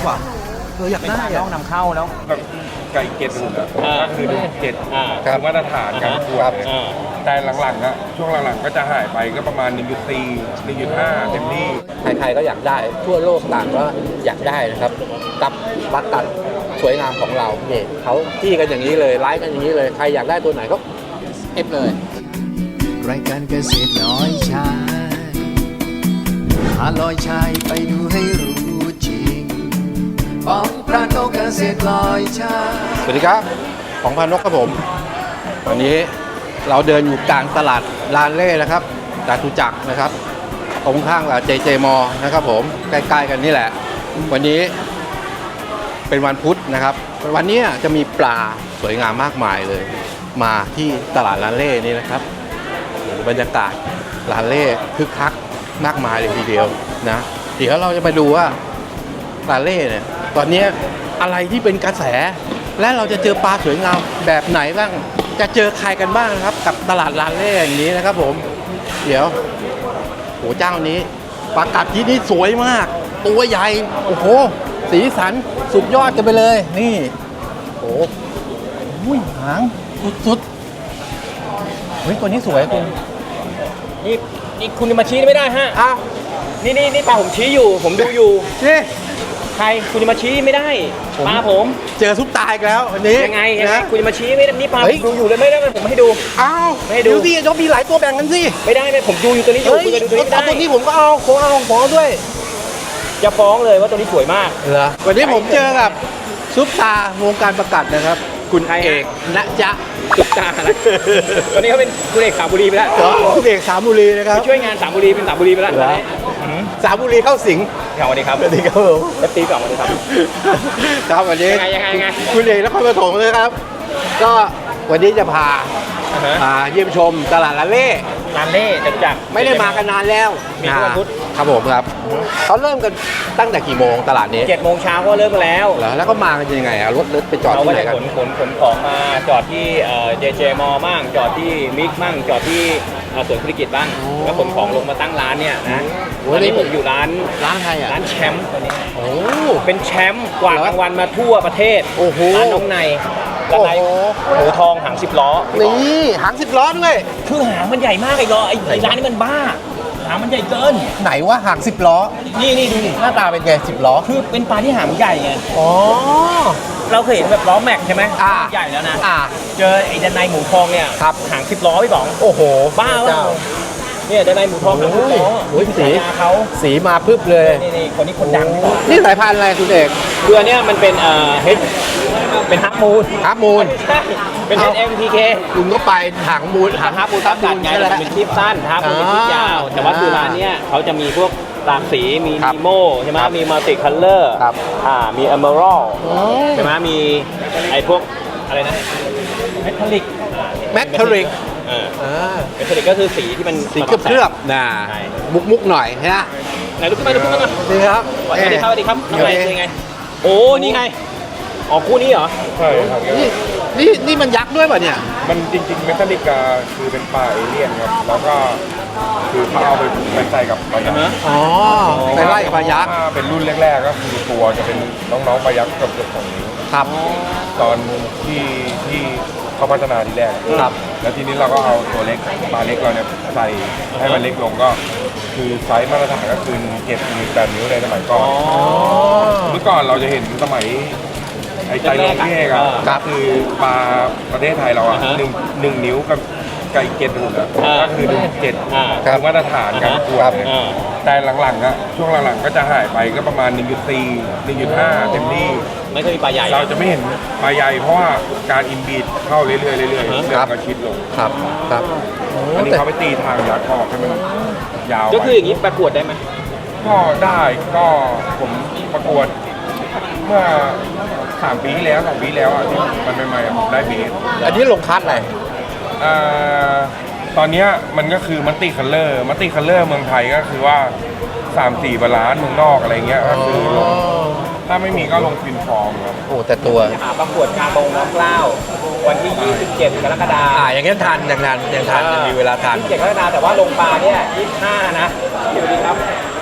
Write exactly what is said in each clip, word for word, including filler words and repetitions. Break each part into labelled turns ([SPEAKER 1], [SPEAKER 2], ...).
[SPEAKER 1] ว่ะเอออยากได้อะ
[SPEAKER 2] ต้องนำเข้าแล้ว
[SPEAKER 3] แบบไก่เกตหุ่นอ่ะก็คือหนึ่งเจ็ดคือมาตรฐานการประกวดแต่หลังๆอ่ะช่วงหลังๆก็จะหายไปก็ประมาณ หนึ่งจุดสี่ หนึ่งจุดห้า เต็มที่
[SPEAKER 1] ใครๆก็อยากได้ทั่วโลกต่างก็อยากได้นะครับกับบัตรตัดสวยงามของเราเนี่ยเขาที่กันอย่างนี้เลยไลฟ์กันอย่างนี้เลยใครอยากได้ตัวไหนก็เอฟเลย
[SPEAKER 4] รายการเกษตรลอยชายพาลอยชายไปดูให้รู้จริงปองพระนกเกษตรลอยชาย
[SPEAKER 1] สวัสดีครับของพานกครับผมวันนี้เราเดินอยู่กลางตลาดลานเล่นะครับจตุจักรนะครับตรงข้างกับเจเจมอนะครับผมใกล้ๆกันนี่แหละวันนี้เป็นวันพุธนะครับวันนี้จะมีปลาสวยงามมากมายเลยมาที่ตลาดลานเล่นี่นะครับบรรยากาศลานเล่คึกคักมากมายเลยทีเดียวนะเดี๋ยวเราจะไปดูว่าลานเล่เนี่ยตอนนี้อะไรที่เป็นกระแสและเราจะเจอปลาสวยงามแบบไหนบ้างจะเจอใครกันบ้างนะครับกับตลาดลานเล่อย่างนี้นะครับผมเดี๋ยวโหเจ้านี้ปลากัดที่นี่สวยมากตัวใหญ่โอ้โหสีสันสุดยอดกันไปเลยนี่โอ้โหหางสุดๆเฮ้ยตัวนี้สวยคุณ
[SPEAKER 2] นี่นี่คุณมาชี้ไม่ได้ฮะ
[SPEAKER 1] อ้าว
[SPEAKER 2] นี่นี่นี่ปลาผมชี้อยู่ผมดูอยู่
[SPEAKER 1] นี่
[SPEAKER 2] ใครคุณจะมาชี้ไม่ได้ปลาผม
[SPEAKER 1] เจอซุปตาอีกแล้ววันนี้
[SPEAKER 2] ยังไงยังไงคุณจะมาชี้ไม่ได้นี่ปลาผมดูอยู่เลยไม่ได้ผมให้ดู
[SPEAKER 1] อ้าว
[SPEAKER 2] ไม่ให้ดู
[SPEAKER 1] สิจะมีหลายตัวแบ่งกันสิ
[SPEAKER 2] ไม่ได้ไม่ผมดูอยู่ตัวนี้อยู่คุณจะดูตัวนี้ได้
[SPEAKER 1] ตัวนี้ผมก็เอาผมเอาผมเอาด้วย
[SPEAKER 2] จะฟ้องเลยว่าตัวนี้สวยมาก
[SPEAKER 1] เหรอวันนี้ผมเจอกับซุปตาวงการประกาศนะครับคุณเอกณจ๊ะ
[SPEAKER 2] ซุปตาอะไรตอนนี้เขาเป็นคุณเอกสามบุรีไปแล้ว
[SPEAKER 1] คุณเอกสามบุรีนะครับ
[SPEAKER 2] ช่วยงานสามบุรีเป็นสามบุรีไปแล้ว
[SPEAKER 1] สามบุรีเข้าสิง
[SPEAKER 2] สวัสดีครับ
[SPEAKER 1] สวัสดีครับผม
[SPEAKER 2] เอฟตีสองสวัสดีครับ
[SPEAKER 1] ครับวันนี้
[SPEAKER 2] ยังไงยังไงยังไง
[SPEAKER 1] คุณเอกนครปฐมเลยครับก็วันนี้จะพามาเยี่ยมชมตลาดลานเล่
[SPEAKER 2] ลานเล่จัดจัก
[SPEAKER 1] ไม่ได้มากันนานแล้ว
[SPEAKER 2] มีทุกวันพุธ
[SPEAKER 1] ครับผมครับเขาเริ่มกันตั้งแต่กี่โมงตลาดนี้
[SPEAKER 2] เจ็ดโมงเช้าก็เริ่มมาแล้ว
[SPEAKER 1] เหรอแล้วก็มากันยังไงอะรถรถไปจอดที่ไหนกัน
[SPEAKER 2] ขนขนขนของมาจอดที่เจเจมอมั่งจอดที่มิกมั่งจอดที่สวนธุรกิจบ้างแล้วขนของลงมาตั้งร้านเนี่ยนะตอนนี้ผมอยู่ร้าน
[SPEAKER 1] ร้านใครอ่ะ
[SPEAKER 2] ร้านแชมป์ตอนนี้
[SPEAKER 1] โอ้
[SPEAKER 2] เป็นแชมป์กวาดรางวัลมาทั่วประเทศ
[SPEAKER 1] โอ้โห
[SPEAKER 2] ร้านน้องในร้านในหมูทองหางสิบล้อ
[SPEAKER 1] นี่หางสิบล้อด้วย
[SPEAKER 2] คือหางมันใหญ่มากไอ้ล้อไอ้ร้านนี้มันบ้าหางมันใหญ่เกิน
[SPEAKER 1] ไหนว่าหางสิบล้อ
[SPEAKER 2] นี่นี่ดูดิ
[SPEAKER 1] หน้าตาเป็นไงสิบล้อ
[SPEAKER 2] คือเป็นปลาที่หางใหญ่ไง
[SPEAKER 1] อ๋อ
[SPEAKER 2] เราเคยเห็นแบบล้อแม็กใช่ไหมใหญ่แล้วนะเจอไอ้ด้านในหมูทองเนี่ย
[SPEAKER 1] ครับ
[SPEAKER 2] หางสิบล้อพี่ป๋อง
[SPEAKER 1] โอ้โห
[SPEAKER 2] บ้าว่ะเนี่ยด้านในหมูทองหางสิบล้อ
[SPEAKER 1] โอ้ยสี
[SPEAKER 2] เขา
[SPEAKER 1] สีมาพึบเลย
[SPEAKER 2] นี่นี่คนนี้คนดัง
[SPEAKER 1] นี่สายพันธุ์อะไรคุณเอก
[SPEAKER 2] เรือเนี่ยมันเป็นเอ่อเฮดเป็นฮับมูน
[SPEAKER 1] ฮับมูน
[SPEAKER 2] ใช่เป็น เอส เอ็ม พี เค
[SPEAKER 1] คุณก็ไปหางมูน
[SPEAKER 2] หางฮับมูนทับกัดไงเป็นคลิปสั้นฮับมูนเป็นคลิปยาวแต่ว่าคือร้านเนี้ยเขาจะมีพวกหลากสีมีนีโมใช่ไหมมีมัลติคัลเลอร์อ่ามีเอเมอรัลใช่ไหมมีไอ้พวกอะไรนะเมทัลลิก
[SPEAKER 1] เมทัลลิก
[SPEAKER 2] เออเมทัลลิกก็คือสีที่มัน
[SPEAKER 1] สีเคลือบๆนะมุกมุกหน่อยฮะ
[SPEAKER 2] ไหนลุกขึ้นมาลุกขึ้นมาหน่อย
[SPEAKER 1] ดีครับ
[SPEAKER 2] สวัสดีครับสวัสดีครับน้องใหม่เป็นไงโอ้นี่ไงอ๋อคู่นี้เหรอ
[SPEAKER 3] ใช่ครับ
[SPEAKER 1] นี่นี่นี่มันยักษ์ด้วยป่ะเนี่ย
[SPEAKER 3] มันจริงๆเมทัลลิกาคือเป็นปลาเอเลี่ยนครับแล้วก็คือเขาเอาไปไปใส่กับปลายักษ์
[SPEAKER 1] อ๋อไปไล่กับปลายักษ์
[SPEAKER 3] เป็นรุ่นแรกๆก็คือตัวจะเป็นน้องๆปลายักษ์กับเกือบสองนิ้ว
[SPEAKER 1] ครับ
[SPEAKER 3] ตอนที่ที่เขาพัฒนาทีแรก
[SPEAKER 1] ครับ
[SPEAKER 3] แล้วทีนี้เราก็เอาตัวเล็กปลาเล็กเราเนี่ยใส่ให้มันเล็กลงก็คือไซส์มาตรฐานก็คือเจ็ดนิ้วแปดนิ้วในสมัยก่อนเมื่อก่อนเราจะเห็นสมัยไอ้ใจลงพี่เอกอะก็คือปลาประเทศไทยเราอะหนึ่งหนึ่งนิ้วกับไก่เกตหุ่นอะก็คือหนึ่งเจ็ดคือมาตรฐานการประกวดแต่หลังๆอะช่วงหลังๆก็จะหายไปก็ประมาณ หนึ่งจุดสี่ หนึ่งจุดห้า เต็มที่
[SPEAKER 2] ไม่เคยมีปลาใหญ่
[SPEAKER 3] เราจะไม่เห็นปลาใหญ่เพราะว่าการอินบีดเข้าเรื่อยๆเรื่อยๆเรื่อยๆก็ชิดลง
[SPEAKER 1] ครับครับ
[SPEAKER 3] อันนี้เขาไปตีทางยัดออกให้มันยาว
[SPEAKER 2] ก็คืออย่างนี้ประกวดได้ไหม
[SPEAKER 3] ก็ได้ก็ผมประกวดเมื่อสามปีแล้วสองปีแล้วอ่ะที่มันใหม่ๆได้เบส
[SPEAKER 1] อันนี้ลงคัดอะไร
[SPEAKER 3] อ่าตอนนี้มันก็คือมัลติคัลเลอร์มัลติคัลเลอร์เมืองไทยก็คือว่าสามสี่บาลานซ์เมืองนอกอะไรเงี้ยก็คือลงถ้าไม่มีก็ลงฟินฟอร์มครับ
[SPEAKER 1] โอ้แต่ตัว
[SPEAKER 2] หาประกวดคาร์บงน้ำเกล้าวันที่ยี่สิบเจ็ดกรกฎาคม
[SPEAKER 1] อ่าอย่างนี้ทันอย่างนั้นยังทันยังมีเวลาทัน
[SPEAKER 2] ยี่สิบเจ็ดกรกฎาคมแต่ว่าลงปลาเนี่ยยี่สิบห้านะสวัสดีครับ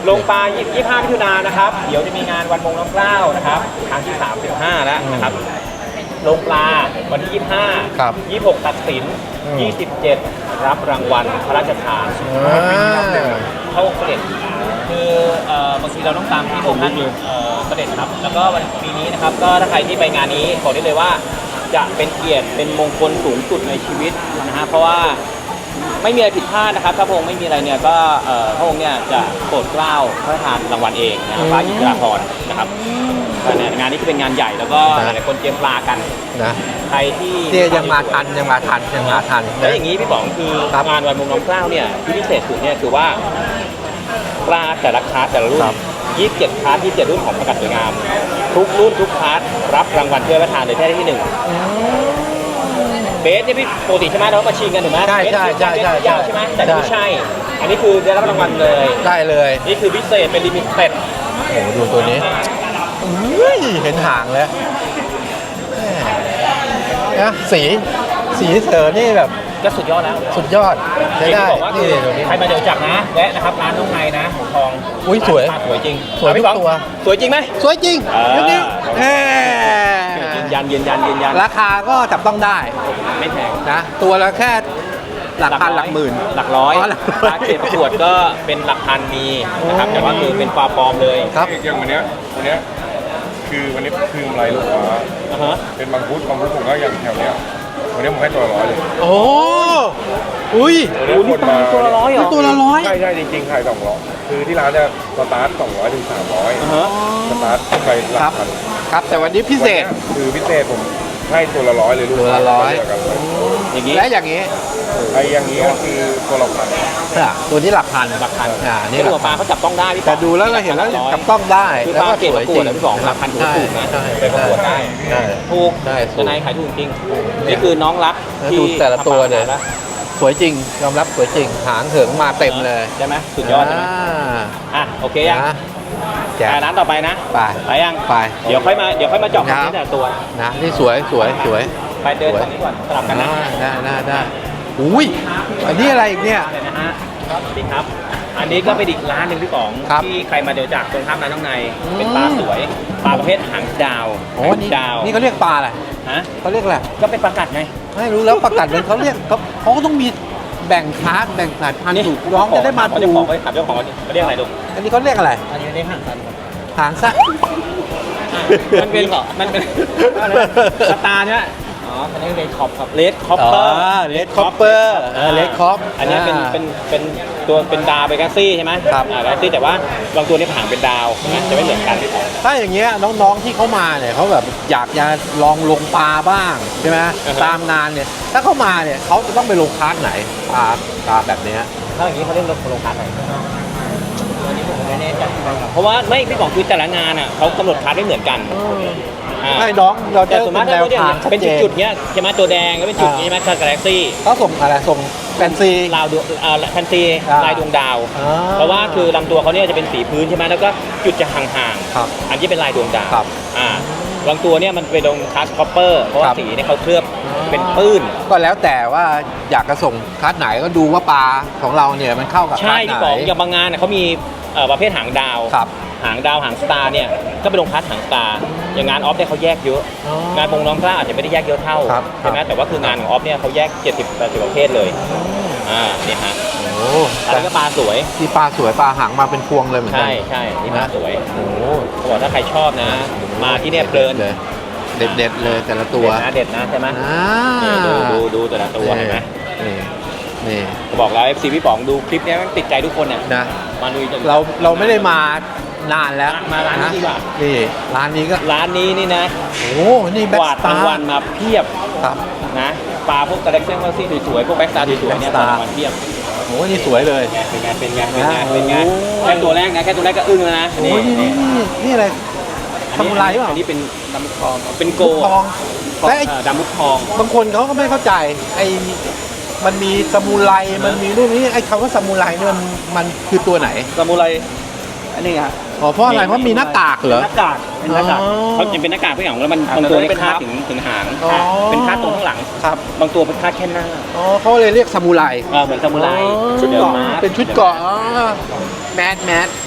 [SPEAKER 2] ลงปลายี่สิบห้ามิถุนายนนะครับเดี๋ยวจะมีงานวันมงน้ำเกล้านะครับครั้งที่สามสิบห้าแล้วนะครับลงปลาวันที่ยี่สิบห้า
[SPEAKER 1] ครับ
[SPEAKER 2] ยี่สิบหกตัดสิน
[SPEAKER 1] อืม
[SPEAKER 2] ยี่สิบเจ็ดรับรางวัลพระราชทาน
[SPEAKER 1] อ่า
[SPEAKER 2] เข้าเสด็จคือเอ่อบางทีเราต้องตามที่พระองค์ท่านเอ่อเสด็จครับแล้วก็วันปีนี้นะครับก็ถ้าใครที่ไปงานนี้บอกได้เลยว่าจะเป็นเกียรติเป็นมงคลสูงสุดในชีวิตนะฮะเพราะว่าไม่มีอะไรผิดพลาดนะครับถ้าพระองค์ไม่มีอะไรเนี่ยก็เอ่อพระองค์เนี่ยจะโปรดเกล้าพระราชทานรางวัลเองนะครับพระอิสราพรนะครับก็เนี่ยงานนี้จะเป็นงานใหญ่แล้วก็หลายๆคนเตรียมปลากัน
[SPEAKER 1] นะ
[SPEAKER 2] ใครที่
[SPEAKER 1] เนี่ยยังมาทันยังมาทันยังมาทัน
[SPEAKER 2] แล้วอย่างนี้พี่ป๋องคือ
[SPEAKER 1] ครับ
[SPEAKER 2] งานวันมงน้ำเกล้าเนี่ยที่พิเศษสุดเนี่ยคือว่าปลาแต่ละคลาสแต่ละรุ่น
[SPEAKER 1] ครับ
[SPEAKER 2] ยี่สิบเจ็ดคลาสยี่สิบเจ็ดรุ่นของประกาศสวยงาม ทุกรุ่นทุกคลาสรับรางวัลถ้วยพระราชทานเลยแค่ได้ที่หนึ่งเบสเนี่ยพี่ปกติใช่ไหมเรามาชิงกันถูกไหม
[SPEAKER 1] ใช่ใช่ใช่ใช่
[SPEAKER 2] เบสยาวใช่ไหมแต่นี่ไม่
[SPEAKER 1] ใช่
[SPEAKER 2] ใช่ อันนี้คือได้รับรางวัลเลย
[SPEAKER 1] ได้เลย
[SPEAKER 2] นี่คือพิเศษเป็นลิมิเต็ด
[SPEAKER 1] โอ้โหดูตัวนี้อุ้ยเห็นหางแล้วแหม่นะสีสีเสือนี่แบบ
[SPEAKER 2] ก็สุดยอดแล้ว
[SPEAKER 1] สุดยอดใช้
[SPEAKER 2] ที่
[SPEAKER 1] ได้
[SPEAKER 2] บอกว่าคื
[SPEAKER 1] นี่
[SPEAKER 2] อ
[SPEAKER 1] ตัวนี้
[SPEAKER 2] ใครมาเดี๋ยวจับนะแวะนะครับร้านน้องในนะหมูทอง
[SPEAKER 1] อุ๊ยสวย
[SPEAKER 2] ร้านสวยจริง
[SPEAKER 1] สวยทุก
[SPEAKER 2] พี่ป๋อง
[SPEAKER 1] ตัว
[SPEAKER 2] สวยจริงไหม
[SPEAKER 1] สวยจริง
[SPEAKER 2] อ่า
[SPEAKER 1] เดี๋ยวนี้แหม่
[SPEAKER 2] ยืนยันยืนยันยืนยัน
[SPEAKER 1] ราคาก็จับต้องได้
[SPEAKER 2] ไม่แพง
[SPEAKER 1] นะตัวละแค่หลักพันหลักหมื่น
[SPEAKER 2] หลักร้อย
[SPEAKER 1] อ๋อหลักร้อย
[SPEAKER 2] ราเกตประกวดก็เป็นหลักพันมีนะครับแต่ว่าคือเป็นปลาปลอมเลย
[SPEAKER 1] ครับ
[SPEAKER 3] อย่างวันเนี้ยวันเนี้ยคือวันนี้คือลายลูกค้า
[SPEAKER 2] อ่าฮะ
[SPEAKER 3] เป็นบางพุทธบางพุทธผมก็อย่างแถวเนี้ยวันนี้ผมให้ตัวละร้อยเลย
[SPEAKER 1] โอ้อุ้ย
[SPEAKER 3] วันนี้คนมา
[SPEAKER 2] ตัวละร้อยเหรอ
[SPEAKER 1] ตัวละร้อย
[SPEAKER 3] ใช่ใช่จริงๆขายสองร้อยคือที่ร้านเนี่ยสตาร์ทสองร้อยถึงสามร้อย
[SPEAKER 2] อ่าฮะ
[SPEAKER 3] สตาร์ทไปหลั
[SPEAKER 1] ครั
[SPEAKER 3] ก
[SPEAKER 1] บ
[SPEAKER 3] พัน
[SPEAKER 1] ครับแต่วันนี้พิเศษ
[SPEAKER 3] วันนี้คือพิเศษผมให้ตัวละร้อยเลยลูก
[SPEAKER 1] ตัวละร้อย
[SPEAKER 3] เดีวกันเลย
[SPEAKER 2] อย่างนี้
[SPEAKER 1] และอย่างนี้
[SPEAKER 3] ไอ้อย่างนี้ก็คือตัวละพัน
[SPEAKER 1] อ่ะตัวนี้หลักพัน
[SPEAKER 2] หลักพัน
[SPEAKER 1] อ่านี่
[SPEAKER 2] นี่
[SPEAKER 1] หลั
[SPEAKER 2] ตัว
[SPEAKER 1] ก
[SPEAKER 2] ป
[SPEAKER 1] พั
[SPEAKER 2] ลาน เขาจับต้องได้พี่
[SPEAKER 1] แต่ดูแล้วเราเห็นแล้วจับต้องได้
[SPEAKER 2] คือ
[SPEAKER 1] แล้ว
[SPEAKER 2] ปลา
[SPEAKER 1] ก็
[SPEAKER 2] เกต
[SPEAKER 1] ส
[SPEAKER 2] ป
[SPEAKER 1] วย
[SPEAKER 2] ระก
[SPEAKER 1] จ
[SPEAKER 2] ว
[SPEAKER 1] ริ
[SPEAKER 2] ด
[SPEAKER 1] ง
[SPEAKER 2] แล้วพี่สองหลักพันถือว่าถูกนะ
[SPEAKER 1] ใช่
[SPEAKER 2] ไปประกวดได้
[SPEAKER 1] ใช่
[SPEAKER 2] ถูก
[SPEAKER 1] ใช่ถูก
[SPEAKER 2] ทนายขายถูกจริงนี่คือน้องรัก
[SPEAKER 1] แล้ว
[SPEAKER 2] ที่
[SPEAKER 1] ดูแต่ละตัวเนี่ย
[SPEAKER 2] ทำปา
[SPEAKER 1] สวยจริงยอมรับสวยจริงหางเหิงมาเต็มเลย
[SPEAKER 2] ใช่ไหมสุดยอดใช่ไหม
[SPEAKER 1] า
[SPEAKER 2] อ่ะโอเคยัง
[SPEAKER 1] นะแจก
[SPEAKER 2] ไปร้านต่อไปนะ
[SPEAKER 1] ไป
[SPEAKER 2] ไปยัง
[SPEAKER 1] ไป
[SPEAKER 2] เดี๋ยวค่อยมาเดี๋ยวค่อยมาเจาะคอนเทนต์แต่ละตัว
[SPEAKER 1] นะนี่สวยสวยสวย
[SPEAKER 2] ไปเดินตรงนี้ก่อนสลับกันนะ
[SPEAKER 1] ได้ได้ได้ได้อุ้ยอันนี้อะไรอีกเนี่ย
[SPEAKER 2] เลยนะฮะสวัสดีครับ อันนี้ก็เป็นอีกร้านหนึ่งพี่ป๋อง
[SPEAKER 1] ครับ
[SPEAKER 2] ที่ใครมาเดี๋ยวจากตรงข้ามร้านน้องใน
[SPEAKER 1] อืม
[SPEAKER 2] เป็นปลาสวยปลาประเภทหางดาว
[SPEAKER 1] โอ้
[SPEAKER 2] หาง
[SPEAKER 1] นี่
[SPEAKER 2] ดาว
[SPEAKER 1] นี่เขาเรียกปลาอะไร
[SPEAKER 2] ฮะ
[SPEAKER 1] เขาเรียกอะไร
[SPEAKER 2] ก็เป็นปลากัดไง
[SPEAKER 1] ไม่รู้แล้วประกาศเป็นเขาเรียกเขาเขาก็ต้องมีแบ่งคลาสแบ่งสายพันธุ์ถูกน้องจะได้มา
[SPEAKER 2] เจ้า
[SPEAKER 1] ถู
[SPEAKER 2] ของ
[SPEAKER 1] ก
[SPEAKER 2] ไปถามเจ้าของเขาเรียกอะไรลูก
[SPEAKER 1] อันนี้เขาเรียกอะไร
[SPEAKER 2] อันนี้เรียกหางสัน
[SPEAKER 1] หางสั้น
[SPEAKER 2] มันเป็นมันเป็นสตาร์เนี่ยอ๋ออันนี้เลดคอปครับเลดคอปเปอร์
[SPEAKER 1] เลดคอปเปอร์เลดคอป
[SPEAKER 2] อันนี้เป็นเป็นเป็นตัวเป็นดาวเป็นกาซี่ใช่ไหม
[SPEAKER 1] ครับ
[SPEAKER 2] อ่ากาซี่แต่ว่าบางตัวนี่ผางเป็นดาวใช่ไหมจะไม่เหมือนกัน
[SPEAKER 1] ถ้าอย่างเงี้ยน้องๆที่เขามาเนี่ยเขาแบบอยากจะลองลงปลาบ้างใช่ไหม
[SPEAKER 2] อ่าฮะ
[SPEAKER 1] ตามงานเนี่ยถ้าเขามาเนี่ยเขาจะต้องไปลงคลาสไหนปลาปลาแบบเนี้ย
[SPEAKER 2] ถ้าอย่างนี้เขาเรียกรถโรงคลาสไหนอันนี้ผมไม่แน่ใจเพราะว่าไม่พี่บอกคือแต่ละงานอ่ะเขากำหนดคลาสไม่เหมือนกันอ่า
[SPEAKER 1] ให้น้องเราจะ
[SPEAKER 2] แต่ส่วนมาก
[SPEAKER 1] เป็นแน
[SPEAKER 2] ถ้าว
[SPEAKER 1] ทางชัด
[SPEAKER 2] เป็น
[SPEAKER 1] เจน
[SPEAKER 2] จุดๆเนี้ยใช่ไหมตัวแดงก็เป็นจุดนี้ใช่ไหมคาร์กาแล็กซี่
[SPEAKER 1] เขาส่งอะไรส่งแฟนซี
[SPEAKER 2] ลาวดวงอ่าแฟนซี
[SPEAKER 1] อ่า
[SPEAKER 2] ลายดวงดาว
[SPEAKER 1] อ่า
[SPEAKER 2] เพราะว่าคือลำตัวเขาเนี่ยจะเป็นสีพื้นใช่ไหมแล้วก็จุดจะห่าง
[SPEAKER 1] ครับ
[SPEAKER 2] ๆอันที่เป็นลายดวงดาว
[SPEAKER 1] ครับ
[SPEAKER 2] อ่าบางตัวเนี่ยมันเป็นดวงคาสคอปเปอร์เพราะว่า
[SPEAKER 1] ครับ
[SPEAKER 2] สีเนี่ยเขาเคลือบเป็นปื้น
[SPEAKER 1] ก็แล้วแต่ว่าอยากจะส่งคลาสไหนก็ดูว่าปลาของเราเนี่ยมันเข้ากับคลา
[SPEAKER 2] ใช่
[SPEAKER 1] สไหน
[SPEAKER 2] ที่บอกอย่างบางงานเนี่ยเขามีเอ่อประเภทหางดาว
[SPEAKER 1] ครับ
[SPEAKER 2] หางดาวหางสตาร์เนี่ยก็เป็นลงคลาสหางสตาร์อย่างงานออฟเนี่ยเขาแยกเยอะ
[SPEAKER 1] อ๋อ
[SPEAKER 2] งานพงน้องกล้าอาจจะไม่ได้แยกเยอะเท่า
[SPEAKER 1] ครับ
[SPEAKER 2] ใช่ไหม
[SPEAKER 1] ครับ
[SPEAKER 2] แต่ว่าคืองานของออฟเนี่ยเขาแยกเจ็ดสิบแปดสิบประเภทเลยอ่าเนี่ยฮะ
[SPEAKER 1] โอ้
[SPEAKER 2] อันนี้ก็ปลาสวย
[SPEAKER 1] ที่ปลาสวยปลาหางมาเป็นพวงเลยเหมือนกั
[SPEAKER 2] ใช่ใช่นี่ปลาสวย
[SPEAKER 1] โอ้
[SPEAKER 2] เขาบอกถ้าใครชอบนะ มาที่เนี่ยเพลิน
[SPEAKER 1] เลยเด็ดเด็ดๆเลยแต่ละตัว
[SPEAKER 2] เด็ดนะเด็ดนะใช่ไหม
[SPEAKER 1] อ่า
[SPEAKER 2] นี่ดูดูดูแต่ละตัวเห็นไหม
[SPEAKER 1] นี่นี่
[SPEAKER 2] บอกแล้ว เอฟ ซี พี่ป๋องดูคลิปเนี้ยมันติดใจทุกคนเนี่ย
[SPEAKER 1] นะ
[SPEAKER 2] มาดูจน
[SPEAKER 1] เราเราไม่ได้มานานแล้ว
[SPEAKER 2] มาร้านนี้ดีกว่า
[SPEAKER 1] นี่ร้านนี้ก็
[SPEAKER 2] ร้านนี้นี่นะ
[SPEAKER 1] โอ้นี่แบ็
[SPEAKER 2] ก
[SPEAKER 1] ก
[SPEAKER 2] วาด
[SPEAKER 1] สตาร
[SPEAKER 2] างวัล
[SPEAKER 1] ์
[SPEAKER 2] มาเพียบ
[SPEAKER 1] ครับ
[SPEAKER 2] นะปลาพวกกระเล็กเส้นกระซี่สวยๆพวกแบ็กสตาร์สวยๆเนี่ยกวาดรางวัลเพียบ
[SPEAKER 1] โอ้นี่สวยเลย
[SPEAKER 2] เป็นไงเป็นไงเป็นไง
[SPEAKER 1] โอ้
[SPEAKER 2] เป็นไงแค่ตัวแรกนะแค่ตัวแรกก็อึ้งแล้วนะ
[SPEAKER 1] โอ้ยนี่นี่นี่นี่อะไรทำอะไรเปล่า
[SPEAKER 2] อันนี้เป็นดำมุกทองเป็นโก
[SPEAKER 1] ทองและไอ้
[SPEAKER 2] เอ่อดำมุกทอง
[SPEAKER 1] บางคนเขาก็ไม่เข้าใจไอ้มันมีสมุไรมันมีนู่นนี่ไอ้คำว่าสมุไรเนี่ยมันมันคือตัวไหน
[SPEAKER 2] ซามูไรอันนี้ฮะ
[SPEAKER 1] อ๋อเพราะอะไรเพราะมีหน้ากากเหรอ
[SPEAKER 2] หน้ากากเป็นหน้ากาก
[SPEAKER 1] อ๋อ
[SPEAKER 2] เขาจะเป็นหน้ากากผู้หญิงแล้วมัน
[SPEAKER 3] อ่า
[SPEAKER 2] บางตัวนี่
[SPEAKER 3] เป็
[SPEAKER 2] เป็น
[SPEAKER 3] น
[SPEAKER 2] คาด
[SPEAKER 3] ครับ
[SPEAKER 2] ถึงถึงหาง
[SPEAKER 1] อ๋อ
[SPEAKER 2] เป็นคาดตรงข้างหลัง
[SPEAKER 1] ครับ
[SPEAKER 2] บางตัวเป็นคาดแค่หน้า
[SPEAKER 1] อ๋อเขาเลยเรียกสมุไร
[SPEAKER 2] เออเหมือนซามูไร
[SPEAKER 1] ชุดเกาะ
[SPEAKER 2] ดิม
[SPEAKER 1] เป็นชุดเกาะอ๋อแมสแมส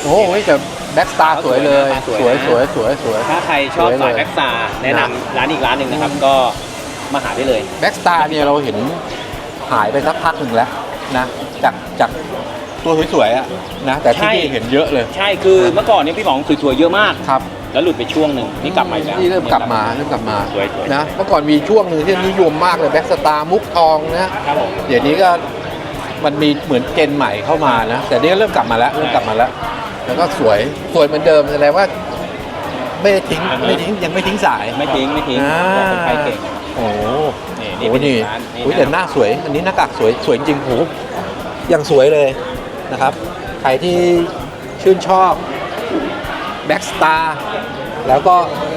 [SPEAKER 1] โอ้โหแต่แบ็กสตาร์สวยเลย
[SPEAKER 2] สวย
[SPEAKER 1] สวย
[SPEAKER 2] นะ
[SPEAKER 1] สวยสวยสวย
[SPEAKER 2] ถ้าใครชอบ
[SPEAKER 1] สวยเลย
[SPEAKER 2] สายแบ็กซาร์แนะนำร้านอีกร้านหนึ่งนะครับ ก็มาหาได้เลย
[SPEAKER 1] แบ็กสตาร์เนี่ยเราเห็นหายไปสักพักหนึ่งแล้วนะจากจากตัวสวยๆอะนะแต่ที่
[SPEAKER 2] ใช่
[SPEAKER 1] นี่เห็นเยอะเลย
[SPEAKER 2] ใช่คือเมื่อก่อนเนี่ยพี่ป๋องสวยๆเยอะมาก
[SPEAKER 1] ครับ
[SPEAKER 2] แล้วหลุดไปช่วงหนึ่งนี่กลับมาอีกแล้ว
[SPEAKER 1] นี่เริ่มกลับมาเริ่มกลับมา
[SPEAKER 2] สวยๆ
[SPEAKER 1] นะเมื่อก่อนมีช่วงหนึ่งที่นิยมมากเลยแบ็กสตาร์มุกทองนะครับ
[SPEAKER 2] ผม
[SPEAKER 1] เดี๋ยวนี้ก็มันมีเหมือนเจนใหม่เข้ามานะแต่นี่ก็เริ่มกลับมาแล้วเริ่มกลับมาแล้ว แล้วก็สวยสวยเหมือนเดิมแสดงว่า ไม่ได้ทิ้งไม่ทิ้งยังไม่ทิ้งสาย
[SPEAKER 2] ไม่ทิ้งไม่ทิ้ง
[SPEAKER 1] อ่า
[SPEAKER 2] บอกคนไทยเก่ง
[SPEAKER 1] โอ้โห
[SPEAKER 2] นี่
[SPEAKER 1] โอ้
[SPEAKER 2] นี่
[SPEAKER 1] โห
[SPEAKER 2] เป็น
[SPEAKER 1] นี่
[SPEAKER 2] ร้านนี่
[SPEAKER 1] โอ้ยแต่หน้าสวย อันนี้หน้ากากสวยสวยจริงโหยังสวยเลยนะครับ ใครที่ชื่นชอบแบ็กสตาร์แล้วก็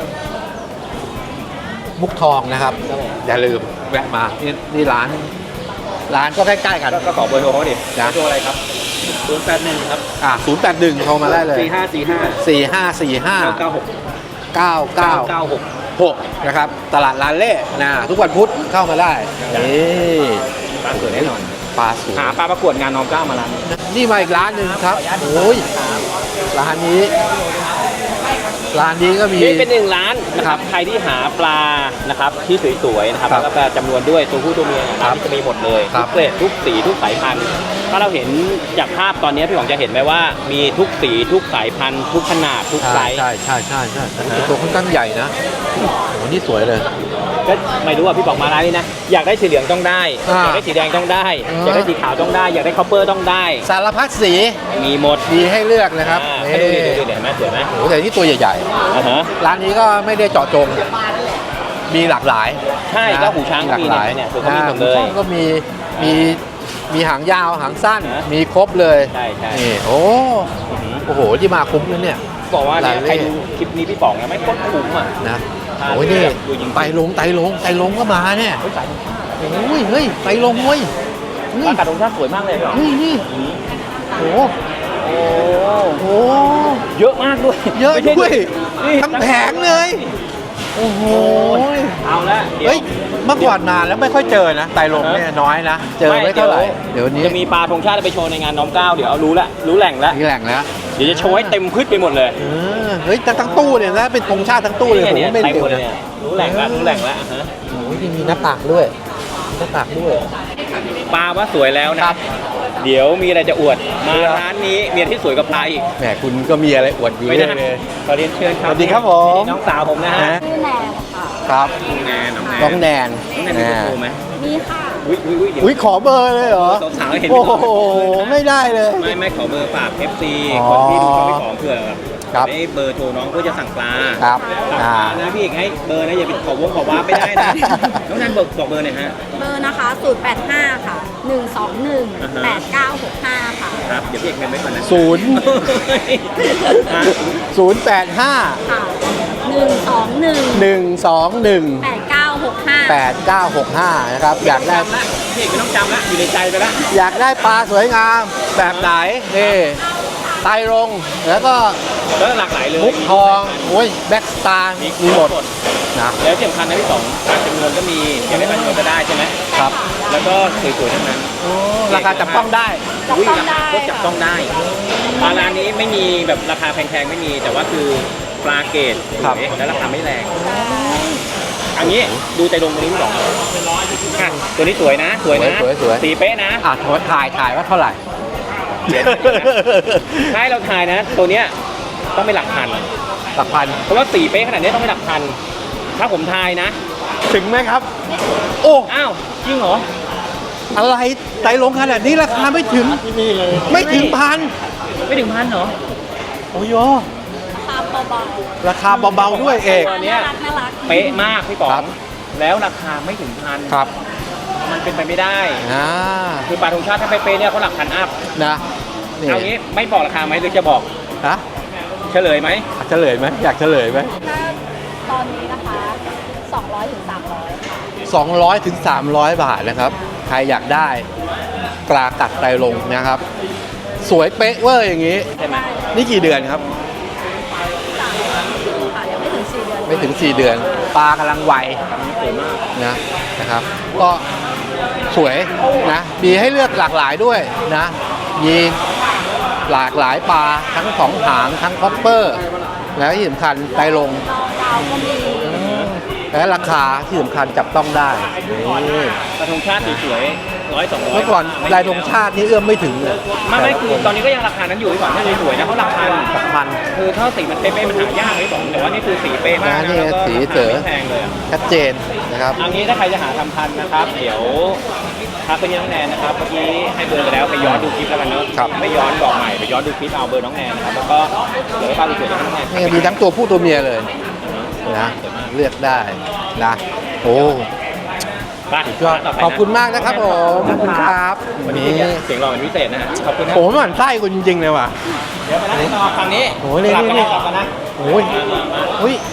[SPEAKER 1] มุกทองนะครับ อย่าลืมแวะมานี่นี่ร้าน ร้านก็ใกล้ๆกัน
[SPEAKER 2] ก็ขอเบอร์โทรเขาดิ
[SPEAKER 1] นะ
[SPEAKER 2] เบอร์โทรอะไรครับศูนย์แปดหนึ่งครับ
[SPEAKER 1] อ่าศูนย์แปดหนึ่งโทรมาได้เลย
[SPEAKER 2] สี่ห้าสี่ห้า
[SPEAKER 1] สี่ห้าสี่ห้า
[SPEAKER 2] เก้าเก้าหก
[SPEAKER 1] เก้าเก้า
[SPEAKER 2] เก้าหก
[SPEAKER 1] หกนะครับ ตลาดลานเล่นะทุกวันพุธเข้ามาได้ นี่
[SPEAKER 2] ร้านสวยแน่นอน
[SPEAKER 1] ปลาสวย
[SPEAKER 2] หาปลาประกวดงานน้อมเกล้ามาร้านนี้
[SPEAKER 1] นี่มาอีกร้านหนึ่งครับโอ้ยร้านนี้ ร้านนี้ก็มี
[SPEAKER 2] นี่เป็นหนึ่งร้านนะครับใครที่หาปลานะครับที่สวยๆนะครับ
[SPEAKER 1] ครับ
[SPEAKER 2] แล้วก็ปลาจำนวนด้วยตัวผู้ตัวเมียนะค
[SPEAKER 1] ครั
[SPEAKER 2] รับบ จะมีหมดเลย
[SPEAKER 1] ครั
[SPEAKER 2] ทุ
[SPEAKER 1] บ
[SPEAKER 2] กเกรดทุกสีทุกสายพันธุ์ถ้าเราเห็นจากภาพตอนนี้พี่หวังจะเห็นไหมว่ามีทุกสีทุกสายพันธุ์ทุกขนาดทุกไซ
[SPEAKER 1] ใช่
[SPEAKER 2] ส์
[SPEAKER 1] ใช่ใช่ใช่ใช่แต่ตัวค่อนข้างใหญ่นะโอ้โหนี่สวยเลย
[SPEAKER 2] ก็ไม่รู้ว่าพี่บอกมาร้านนี้นะอยากได้สีเหลืองต้องได้
[SPEAKER 1] อ่า
[SPEAKER 2] อยากได้สีแดงต้องได้
[SPEAKER 1] อ่า
[SPEAKER 2] อยากได้สีขาวต้องได้ อยากได้คอปเปอร์ต้องได้
[SPEAKER 1] สารพัดสี
[SPEAKER 2] มีหมด
[SPEAKER 1] มีให้เลือกนะครับ
[SPEAKER 2] อ่า
[SPEAKER 1] นี่
[SPEAKER 2] ให้ดูดิดูดิเห็นไหมสวยไหม
[SPEAKER 1] โอ้โหแต่นี่ตัวใหญ่
[SPEAKER 2] อ่าฮะ
[SPEAKER 1] ๆ ร้านนี้ก็ไม่ได้เจาะจง มีหลากหลาย
[SPEAKER 2] ใช่
[SPEAKER 1] นะ
[SPEAKER 2] ก็หูช้างก็มี
[SPEAKER 1] หลากหลาย
[SPEAKER 2] เนี่ยคือเขามีหมดเลย
[SPEAKER 1] อ่าหูช้างก็มีมีมีหางยาวหางสั้น
[SPEAKER 2] นะ
[SPEAKER 1] มีครบเลย
[SPEAKER 2] ใช่ใช่
[SPEAKER 1] นี่โอ้
[SPEAKER 2] อือหือ
[SPEAKER 1] โอ้โหที่มาคุ้มเลยเนี่ย
[SPEAKER 2] บอกว่าเนี่ย
[SPEAKER 1] ร้านเล่
[SPEAKER 2] ใครดูคลิปนี้พี่ป๋องเนี่ยไม่โคตรคุ้มอ่ะ
[SPEAKER 1] นะ
[SPEAKER 2] ทาน
[SPEAKER 1] โอ้ยนี่
[SPEAKER 2] แบบดูจริงๆ
[SPEAKER 1] ไตลงไตลงไตลงก็มาเนี่ย
[SPEAKER 2] เฮ้ยสายธงชาติ
[SPEAKER 1] โอ้ยเฮ้ยไตลงเว้ย
[SPEAKER 2] ปลากระดงชาติสวยมากเลยเหรอ
[SPEAKER 1] นี่นี่โอ้โห
[SPEAKER 2] โอ้
[SPEAKER 1] โอ้โห
[SPEAKER 2] เยอะมากด้วย
[SPEAKER 1] เยอะ
[SPEAKER 2] ไม่ใช่
[SPEAKER 1] ด้วย
[SPEAKER 2] นี่
[SPEAKER 1] ทั้งแผงเลย โอ้โห
[SPEAKER 2] เอาละดี๋ว
[SPEAKER 1] เฮ้ยเมื่อก่อนนานแล้วไม่ค่อยเจอนะไตลงเนี่ยน้อยนะ เจอไม่เท่าไหร่เดี๋ยวนี้
[SPEAKER 2] จะมีปลาธงชาติไปโชว์ในงานน้อมเกล้าเดี๋ยวเอารู้ละรู้แหล่งแล้ว
[SPEAKER 1] มีแหล่งแล้ว
[SPEAKER 2] เดี๋ยวจะโชว์ให้เต็มพืชไปหมดเลย
[SPEAKER 1] เออเฮ้ยแต่ทั้งตู้เนี่ยนะเป็นธงชาติทั้งตู้เลยผม
[SPEAKER 2] นี่
[SPEAKER 1] ไม่
[SPEAKER 2] เต็ม
[SPEAKER 1] เร็
[SPEAKER 2] หม
[SPEAKER 1] ว
[SPEAKER 2] ดเลย
[SPEAKER 1] นะ
[SPEAKER 2] เนี่ยรู้แหล่งแล้วรู้แหล่งแล้วอ่ะฮะ
[SPEAKER 1] โอ้ยมีหน้าตากด้วยมีหน้าตากด้วย
[SPEAKER 2] ปลาว่าสวยแล้วนะครับ เดี๋ยวมีอะไรจะอวดมาร้านนี้มีอะไรที่สวยกับปลาอีก
[SPEAKER 1] แหมคุณก็มีอะไรอวดอยู่
[SPEAKER 2] ไม่
[SPEAKER 1] เรื่
[SPEAKER 2] ได้
[SPEAKER 1] อยเลย
[SPEAKER 2] ขอเรียนเชิญครับ
[SPEAKER 1] สวัสดีครับผม
[SPEAKER 2] นี่น้องสาวผมนะฮะ
[SPEAKER 1] นะ
[SPEAKER 5] ชื่อแนนค่ะ
[SPEAKER 1] ครับ
[SPEAKER 2] น้องแนนน้องแนน
[SPEAKER 1] น้องแนน
[SPEAKER 2] น้องแนนมีเบอร์โทรไหม
[SPEAKER 5] มีค่ะ
[SPEAKER 2] อุ้ยอุ้ยอุ้ยเดี๋ยว
[SPEAKER 1] อุ้ยขอเบอร์เลยเหรอ
[SPEAKER 2] สาวๆเห็น
[SPEAKER 1] โอ้
[SPEAKER 2] ไม่
[SPEAKER 1] โห
[SPEAKER 2] ขอ
[SPEAKER 1] ไม่ได้เลย
[SPEAKER 2] ไม่ไม่ขอเบอร์ฝาก เอฟ ซี
[SPEAKER 1] อ๋อ
[SPEAKER 2] คนที่ดูช่องพี่ของเผื่อ
[SPEAKER 1] ครับ
[SPEAKER 2] ได้เบอร์โทรน้องเพื่อจะสั่งปลา
[SPEAKER 1] ครับ
[SPEAKER 2] สั่ง
[SPEAKER 1] อ่า
[SPEAKER 2] ปลานะพี่เอกให้เบอร์นะอย่าไปขอวงขอว้าไม่ได้นะน้องแนนบอกบอกเบอร์หน่อยฮะ
[SPEAKER 5] เบอร์นะคะศูนย์ แปด ห้า ค่ะ หนึ่ง สอง หนึ่ง
[SPEAKER 2] อ่าฮะ
[SPEAKER 5] แปด เก้า หก ห้า ค่ะ
[SPEAKER 2] ครับเดี๋ยวพี่เอกเมมไว้ก่อนนะ
[SPEAKER 1] ศูนย์
[SPEAKER 2] ฮะ
[SPEAKER 1] ศูนย์แปดห้า
[SPEAKER 5] ค่ะ หนึ่ง สอง หนึ่ง
[SPEAKER 1] หนึ่งสองหนึ่ง
[SPEAKER 5] แปด เก้า หก ห้า
[SPEAKER 1] แปดเก้าหกห้านะครับอยากได้
[SPEAKER 2] จำละพี่เอกไม่ต้องจำละอยู่ในใจไปละ
[SPEAKER 1] อยากได้ปลาสวยงามแบบไหนนี่ไตรรงแล้วก็
[SPEAKER 2] แล้วหลากหลายเลย
[SPEAKER 1] มุกทองโอ้ยแบ็กสตาร์มีหมดนะ
[SPEAKER 2] แล้วที่สำคัญนะพี่สองการจำนวนก็มีอยากได้จำนวนก็ได้ใช่ไหม
[SPEAKER 1] ครับ
[SPEAKER 2] แล้วก็สวยๆทั้งนั้น
[SPEAKER 1] โอ้ราคาจับต้องได้
[SPEAKER 5] จับ
[SPEAKER 2] อุ้ย
[SPEAKER 5] ต้อง
[SPEAKER 2] ราคา
[SPEAKER 5] ได้
[SPEAKER 2] ก็จับต้องได้ปลาร้านนี้ไม่มีแบบราคาแพงๆไม่มี แต่ว่าคือปลาเกรดสวยและราคาไม่แรงอันนี้ดูใจลงตรงนี้พี่สองอ่ะตัวนี้สวยนะ สวยนะ
[SPEAKER 1] สวยสวย
[SPEAKER 2] สีเป๊ะนะ
[SPEAKER 1] อ่ะโทษถ่ายถ่ายว่าเท่าไหร่
[SPEAKER 2] ถ้าให้เราทายนะ ตัวเนี้ยต้องเป็นหลักพัน
[SPEAKER 1] หลักพัน
[SPEAKER 2] เพราะว่าสีเป๊ะขนาดนี้ต้องเป็นหลักพัน ถ้าผมทายนะ
[SPEAKER 1] ถึงไหมครับ โอ้
[SPEAKER 2] อ้าวจริงเหรอ
[SPEAKER 1] อะไรไตรลงขนาดนี้ราคาไม่ถึงไม่ถึงพัน
[SPEAKER 2] ไม่ถึงพันเหรอ
[SPEAKER 1] โอ้ย
[SPEAKER 5] ตามเบา
[SPEAKER 1] ราคาเบาๆด้วยเอก
[SPEAKER 5] ๆ
[SPEAKER 2] ตัวเนี้ย
[SPEAKER 5] น่ารักน่ารัก
[SPEAKER 2] เป๊ะมากพี่ป๋อ
[SPEAKER 1] ครั
[SPEAKER 2] ง
[SPEAKER 1] บ
[SPEAKER 2] แล้วราคาไม่ถึงพัน
[SPEAKER 1] ครับ
[SPEAKER 2] มันเป็นไปไม่ได้
[SPEAKER 1] อ่า
[SPEAKER 2] คือปลาธงชาติถ้าเป๊ะๆเนี่ยเขาหลักพันอัพ
[SPEAKER 1] นะนี่
[SPEAKER 2] เอางี้ไม่บอกราคาไหมหรือจะบอก
[SPEAKER 1] ฮะ
[SPEAKER 2] เฉลยไหม
[SPEAKER 1] เฉลยไหมอยากเฉลยไหม
[SPEAKER 5] ถ้าตอนนี้นะคะ สองร้อยถึงสามร้อย ค่ะ
[SPEAKER 1] สองร้อยถึงสามร้อยบาทนะครับ ใครอยากได้ปลากัดไตรลงนะครับ สวยเป๊ะเวอร์อย่างนี้
[SPEAKER 2] ใช่ไหม
[SPEAKER 1] นี่กี่เดือนครับ
[SPEAKER 5] สามร้อยครึ่งค่ะยังไม่ถึงสี่เดือน
[SPEAKER 1] ไม่ถึงสี่เดือน ปลากำลังวัย
[SPEAKER 2] สวยมาก
[SPEAKER 1] นะนะครับ ก็สวยนะมีให้เลือกหลากหลายด้วยนะมีหลากหลายปลาทั้งสองหางทั้งคอปเปอร์ แล้วที่สำคัญไตรลง
[SPEAKER 5] ดาวก็มี
[SPEAKER 1] และราคาที่สำคัญจับต้องได้นี่
[SPEAKER 2] กระทงชาติสวยร้อยสองร้อย
[SPEAKER 1] เมื่อก่อนลายธงชาตินี่เอื้อมไม่ถึงเลย
[SPEAKER 2] ไม่ไม่คือตอนนี้ก็ยังราคานั้นอยู่พี่ป๋องถ้าสวยๆนะเขาราคา
[SPEAKER 1] สำคัญ
[SPEAKER 2] คือถ้าสีมันเป๊ะๆมันหายากเลยพี่ป๋องแต่ว่านี่คือสีเป๊ะมาก
[SPEAKER 1] นะ
[SPEAKER 2] นะ
[SPEAKER 1] นี่
[SPEAKER 2] แล้วก็
[SPEAKER 1] สีเต๋อ
[SPEAKER 2] ไม่แพงเลยอะ
[SPEAKER 1] ชัดเจนนะครับ
[SPEAKER 2] เอางี้ถ้าใครจะหาทำทันนะครับ เดี๋ยวทักไปที่น้องแนนนะครับเมื่อกี้ให้เบอร์ไปแล้วไปย้อนดูคลิปแล้วกันเนอะ
[SPEAKER 1] ครับ
[SPEAKER 2] ไม่ย้อนบอกใหม่ไปย้อนดูคลิปเอาเบอร์น้องแนนนะครับแล้วก็เดี๋ยวให้ภาพสวยๆให้น้องแนน
[SPEAKER 1] นี่มีทั้งตัวผู้ตัวเมียเลยนะเลือกได้นะโอ้
[SPEAKER 2] ไป
[SPEAKER 1] ก็ขอบคุณมากนะครับผมขอบคุณครับ
[SPEAKER 2] วันนี้เสียงรอเป็นพิเศษนะฮะขอบคุณนะ
[SPEAKER 1] โอ้หมันไส้คุณจริงๆเลยว่ะ
[SPEAKER 2] เดี๋ยวไปนั่งต่อฝั่งนี้
[SPEAKER 1] โอ้ยนี่
[SPEAKER 2] กลับกัน
[SPEAKER 1] นี่
[SPEAKER 2] นะกลับกันนะ
[SPEAKER 1] โอ้ยอุ้ย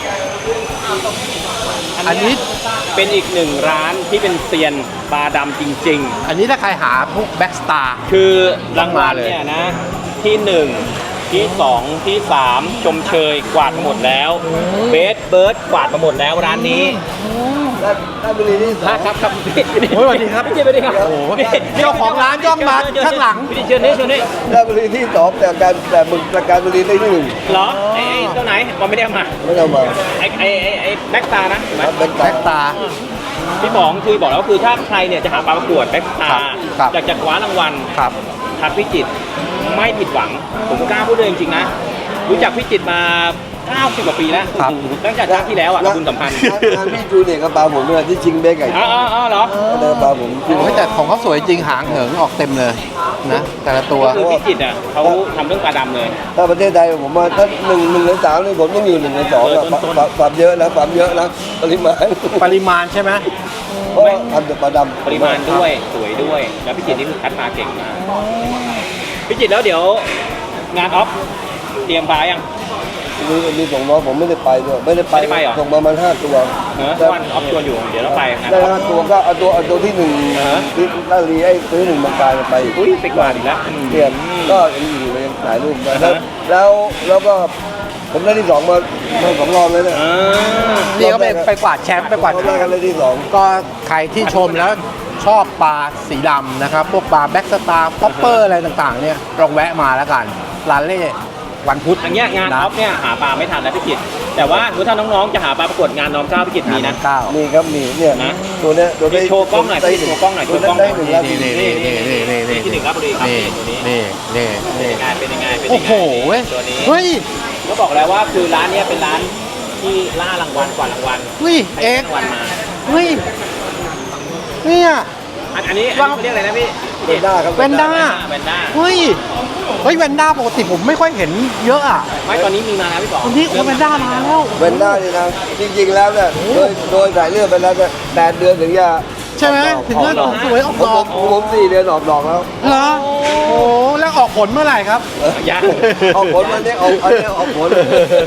[SPEAKER 1] อันนี้
[SPEAKER 2] เป็นอีกหนึ่งร้านที่เป็นเซียนปลาดำจริง
[SPEAKER 1] อันนี้ถ้าใครหาพวกแบ็กสตาร์
[SPEAKER 2] ๆ คือรางวัล
[SPEAKER 1] มาเลย
[SPEAKER 2] เนี่ยนะ ที่หนึ่งที่สองที่สามชมเชยกวาดมาหมดแล้วเบสเบิร์ดกวาดมาหมดแล้วร้านนี้
[SPEAKER 6] ราชบุรีที่สอง
[SPEAKER 2] ครับครับพี่
[SPEAKER 1] โอ้ยสวัสดีครับ
[SPEAKER 2] พี่สวัสดีครับ
[SPEAKER 1] โอ้โหเจ้าของร้านย่องมาข้างหลัง
[SPEAKER 2] พี่เชิญนี่เชิญนี่
[SPEAKER 6] ราชบุรีที่สองแต่การแต่มึงแต่การบุรีได้ที่หนึ่ง
[SPEAKER 2] เหรอไอ้ไอ้เจ้าไหนมันไม่ได้เอามา
[SPEAKER 6] ไม่เอามา
[SPEAKER 2] ไอ้ไอ้ไอ้ไอ้แบ็กตานะถูกไหม
[SPEAKER 6] ครับเป็น
[SPEAKER 1] แบ็กสตาร์
[SPEAKER 2] พี่ป๋องคือบอกแล้วว่าคือถ้าใครเนี่ยจะหาปลาประกวดแบ็กตา
[SPEAKER 1] ครับ
[SPEAKER 2] อยากจะคว้ารางวัล
[SPEAKER 1] ครับ
[SPEAKER 2] ทักพิจิตรไม่ผิดหวัง ผมกล้าพูดเลยจริงๆนะ รู้จักพิจิตรมาเก้าสิบกว่าปีแล้ว
[SPEAKER 1] ครับ
[SPEAKER 2] ตั้งแต่ชาติที่แล้วอ่ะบุญสัมพันธ์
[SPEAKER 6] งานพี่จูเนี่ยกระเป๋าผมเนี่ยที่ชิงเบกไก่
[SPEAKER 2] อ๋ออ๋ออ๋อเหรอ
[SPEAKER 6] กระเป๋าผมที่
[SPEAKER 1] โอ้ยแต่ของเขาสวยจริงหางเหิงออกเต็มเลยนะแต่ละตัว
[SPEAKER 2] คือพิจิตรอ่ะเขาทำเรื่องปลาดำเลย
[SPEAKER 6] ถ้าประเทศไทยผมว่าถ้าหนึ่งหนึ่งในสามนี่ผมต้องอยู่หนึ่งในสอง
[SPEAKER 2] เออ
[SPEAKER 6] อะ
[SPEAKER 2] ต้นๆ
[SPEAKER 6] ความความเยอะนะความเยอะนะปริมาณ
[SPEAKER 1] ปริมาณใช่ไหม
[SPEAKER 6] เพราะว่าทำแต่ปลาดำ
[SPEAKER 2] ปริมาณด้วยสวยด้วย แล้วพิจิตรนี่คือคัดมาเก่งมากพิจิตรแล้วเดี๋ยวงานออฟเตรียมปลายัง
[SPEAKER 6] มีมีส่งน้องผมไม่ได้ไปด้วยไม่ได้ไป
[SPEAKER 2] ไม่ได้ไปเหรอ
[SPEAKER 6] ส่งประมาณห้าตัว
[SPEAKER 2] เออ
[SPEAKER 6] แต่
[SPEAKER 2] วันออฟชวนอยู่เดี๋ยวเราไปงาน
[SPEAKER 6] ได้
[SPEAKER 2] ออฟ
[SPEAKER 6] ห้าตัวก็เอาตัวเอาตัวที่หนึ่ง
[SPEAKER 2] อ่าฮะ
[SPEAKER 6] ที่ลาดบุรีไอ้ตัวที่หนึ่งบางกายไป
[SPEAKER 2] อุ้ยไปกว่าอีกแล้ว
[SPEAKER 6] เปลี่ยนก็ยังอยู่เลยยังถ่ายรูปกันแล้วแล้วแล้วก็ผมได้ที่สองมามาสองรอบเลยเนี่ย
[SPEAKER 2] อ่า
[SPEAKER 1] นี่เขาไปไปกวาดแชมป์ไปกวาด
[SPEAKER 6] รอบแรกกันเลยที่สอง
[SPEAKER 1] ก็ใครที่ชมแล้วชอบปลาสีดำนะครับ พวกปลาแบ็กสตาร์พอปเปอร์อะไรต่างๆ เนี่ยลองแวะมาแล้วกันร้านเล่วันพุธ
[SPEAKER 2] อันเนี้ยงานออฟเนี่ยหาปลาไม่ทันแล้วพิจิตรแต่ว่าถ้าน้องๆจะหาปลาประกวดงานน้อมเกล้าพิจิตรมีนะ
[SPEAKER 1] เก้า
[SPEAKER 6] มีครับมีเนี่ย
[SPEAKER 2] นะ
[SPEAKER 6] ตัวเนี้ยตัวได้
[SPEAKER 2] โชว์กล้องหน่อย
[SPEAKER 6] ได้
[SPEAKER 2] พี่โชว์กล้องหน่อย
[SPEAKER 6] ตัว
[SPEAKER 2] โชว์กล้องหน่
[SPEAKER 6] ได้
[SPEAKER 2] อย
[SPEAKER 6] หนึ่งแล้ว
[SPEAKER 1] นี่นี่นี่นี่นี่นี่นี่
[SPEAKER 2] ที่หนึ่งราชบุรีครับ
[SPEAKER 1] นี่
[SPEAKER 2] ตัวนี้
[SPEAKER 1] นี่นี่
[SPEAKER 2] เป็น
[SPEAKER 1] นี่
[SPEAKER 2] ยังไงเป็นยังไงเป็น
[SPEAKER 1] โอ้
[SPEAKER 2] ยังไง
[SPEAKER 1] โหเว้ย
[SPEAKER 2] ตัวนี้
[SPEAKER 1] เฮ้ย
[SPEAKER 2] ก็บอกแล้วว่าคือร้านเนี้ยเป็นร้านที่ล่ารางวัลกว่ารางวัล
[SPEAKER 1] เฮ้ย
[SPEAKER 2] ใคร
[SPEAKER 1] เอ็
[SPEAKER 2] ได้
[SPEAKER 1] กซ์
[SPEAKER 2] รางวัลมา
[SPEAKER 1] เฮ้ยเนี่ย
[SPEAKER 2] อันอันนี้อันนี้เขาเรียกอะไรนะพี่
[SPEAKER 6] เวนด้าครับ
[SPEAKER 1] แวนด้า
[SPEAKER 2] แวนด้า
[SPEAKER 1] เฮ้ยเฮ้ยแวนด้าปกติผมไม่ค่อยเห็นเยอะอ่ะ
[SPEAKER 2] ไม่ตอนนี้มีมาแล้วพี่ป๋อง
[SPEAKER 1] วันนี้โอ้แวนด้ามาแล้ว
[SPEAKER 6] เวนด้านี่นะจริงๆแล้วเนี่ยโดยโดยสายเลือดไปแล้วเนี่ยแปดเดือนถึงจะ
[SPEAKER 1] ใช่ไหมถึงจะออกสวยออก
[SPEAKER 6] ผม
[SPEAKER 1] ดอก
[SPEAKER 6] ผมผมสี่เดือนออกดอกแล้ว
[SPEAKER 1] เหรอโอ้แล้วออกผลเมื่อไหร่ครับ
[SPEAKER 2] ยัง
[SPEAKER 6] ออกผลวันนี้ออกอันนี้ออกผล